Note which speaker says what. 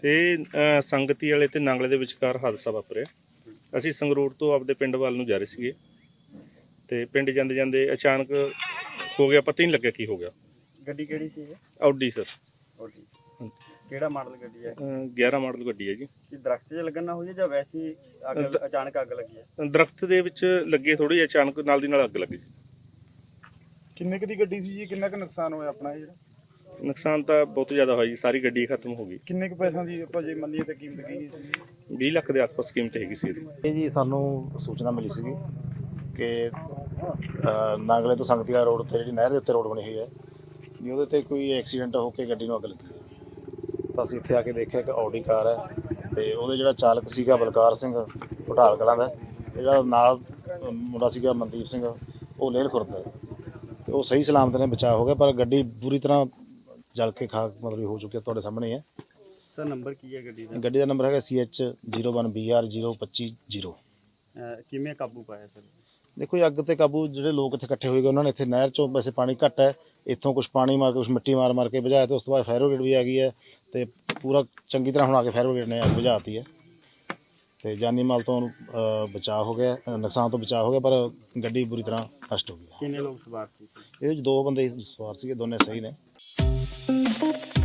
Speaker 1: ਤੇ ਸੰਗਤੀ ਵਾਲੇ ਤੇ ਨਾਂਗਲੇ ਦੇ ਵਿਚਕਾਰ ਹਾਦਸਾ ਵਾਪਰਿਆ। ਅਸੀਂ ਸੰਗਰੂਰ ਤੋਂ ਆਪਦੇ ਪਿੰਡ ਵੱਲ ਨੂੰ ਜਾ ਰਹੇ ਸੀਗੇ ਤੇ ਪਿੰਡ ਜਾਂਦੇ ਜਾਂਦੇ ਅਚਾਨਕ ਹੋ ਗਿਆ, ਪਤਾ ਹੀ ਨਹੀਂ ਲੱਗਿਆ ਕੀ ਹੋ ਗਿਆ।
Speaker 2: ਗੱਡੀ ਕਿਹੜੀ ਸੀ ਇਹ?
Speaker 1: Audi sir.
Speaker 2: ਆਡੀ ਕਿਹੜਾ ਮਾਡਲ ਗੱਡੀ ਹੈ?
Speaker 1: 11 ਮਾਡਲ ਗੱਡੀ ਹੈ ਜੀ।
Speaker 2: ਕੀ ਦਰਖਤ 'ਚ ਲੱਗਣ ਨਾਲ ਹੋਈ ਹੈ ਜਾਂ ਵੈਸੇ ਹੀ ਅਚਾਨਕ ਅੱਗ ਲੱਗੀ ਹੈ?
Speaker 1: ਦਰਖਤ ਦੇ ਵਿੱਚ ਲੱਗੇ, ਥੋੜੀ ਅਚਾਨਕ ਨਾਲ ਦੀ ਨਾਲ ਅੱਗ ਲੱਗੀ।
Speaker 2: ਕਿੰਨੇ ਕੁ ਦੀ ਗੱਡੀ ਸੀ ਜੀ? ਕਿੰਨਾ ਕੁ ਨੁਕਸਾਨ ਹੋਇਆ ਆਪਣਾ ਜਿਹੜਾ?
Speaker 1: ਨੁਕਸਾਨ ਤਾਂ ਬਹੁਤ ਜ਼ਿਆਦਾ ਹੋਇਆ ਜੀ, ਸਾਰੀ ਗੱਡੀ ਖਤਮ ਹੋ ਗਈ।
Speaker 2: ਕਿੰਨੇ ਕੁ ਪੈਸਿਆਂ ਦੀ ਆਪਾਂ ਜੇ ਮੰਨੀਏ ਤਾਂ ਕੀਮਤ ਕੀ ਸੀ?
Speaker 1: 20 ਲੱਖ ਦੇ ਆਸ-ਪਾਸ ਕੀਮਤ ਹੈਗੀ ਸੀ ਇਹਦੀ।
Speaker 3: ਇਹ ਜੀ ਸਾਨੂੰ ਸੂਚਨਾ ਮਿਲੀ ਸੀਗੀ ਕਿ ਨਾਗਲੇ ਤੋਂ ਸੰਗਤੀਆ ਰੋਡ ਤੇ ਜਿਹੜੀ ਨਹਿਰ ਦੇ ਉੱਤੇ ਰੋਡ ਬਣੀ ਹੋਈ ਹੈ ਵੀ ਉਹਦੇ ਤੇ ਕੋਈ ਐਕਸੀਡੈਂਟ ਹੋ ਕੇ ਗੱਡੀ ਨੂੰ ਅੱਗ ਲੱਗੀ ਹੈ। ਤਾਂ ਅਸੀਂ ਇੱਥੇ ਆ ਕੇ ਦੇਖਿਆ ਕਿ ਆਡੀ ਕਾਰ ਹੈ ਤੇ ਉਹਦੇ ਜਿਹੜਾ ਚਾਲਕ ਸੀਗਾ ਬਲਕਾਰ ਸਿੰਘ ਘੁਟਾਲ ਕਲਾਂ ਦਾ, ਜਿਹੜਾ ਨਾਲ ਮੁੰਡਾ ਸੀਗਾ ਮਨਦੀਪ ਸਿੰਘ, ਉਹ ਲੇਲ ਖੁਰਦ ਹੈ ਤੇ ਉਹ ਸਹੀ ਸਲਾਮਤ ਨੇ ਬਚਾਅ ਹੋ ਗਿਆ, ਪਰ ਗੱਡੀ ਪੂਰੀ ਤਰ੍ਹਾਂ ਜਲ ਕੇ ਖਾਕ ਮਤਲਬ ਹੋ ਚੁੱਕੀ ਹੈ। ਤੁਹਾਡੇ ਸਾਹਮਣੇ ਹੈ।
Speaker 2: ਸਰ ਨੰਬਰ ਕੀ ਹੈ ਗੱਡੀ ਦਾ?
Speaker 3: ਗੱਡੀ ਦਾ ਨੰਬਰ ਹੈਗਾ CH01BR025
Speaker 2: ਕਿਵੇਂ ਕਾਬੂ ਪਾਇਆ ਸਰ?
Speaker 3: ਦੇਖੋ ਜੀ, ਅੱਗ ਤੇ ਕਾਬੂ ਜਿਹੜੇ ਲੋਕ ਇੱਥੇ ਇਕੱਠੇ ਹੋਏ ਗਏ ਉਹਨਾਂ ਨੇ ਇੱਥੇ ਨਹਿਰ ਚੋਂ ਵੈਸੇ ਪਾਣੀ ਘੱਟ ਹੈ, ਇੱਥੋਂ ਕੁਛ ਪਾਣੀ ਮਾਰ ਕੇ ਕੁਛ ਮਿੱਟੀ ਮਾਰ ਕੇ ਬੁਝਾਇਆ ਤੇ ਉਸ ਤੋਂ ਬਾਅਦ ਫਾਇਰ ਬ੍ਰਿਗੇਡ ਵੀ ਆ ਗਈ ਹੈ ਤੇ ਪੂਰਾ ਚੰਗੀ ਤਰ੍ਹਾਂ ਹੁਣ ਆ ਕੇ ਫਾਇਰ ਬ੍ਰਿਗੇਡ ਨੇ ਅੱਗ ਬੁਝਾਤੀ ਹੈ ਤੇ ਜਾਨੀ ਮਾਲ ਤੋਂ ਬਚਾਅ ਹੋ ਗਿਆ, ਨੁਕਸਾਨ ਤੋਂ ਬਚਾਅ ਹੋ ਗਿਆ, ਪਰ ਗੱਡੀ ਬੁਰੀ ਤਰ੍ਹਾਂ ਨਸ਼ਟ ਹੋ ਗਈ।
Speaker 2: ਕਿੰਨੇ ਲੋਕ ਸਵਾਰ ਸੀ?
Speaker 3: ਇਹਦੇ ਵਿੱਚ 2 ਬੰਦੇ ਸਵਾਰ ਸੀਗੇ, ਦੋਨੇ ਸਹੀ ਨੇ।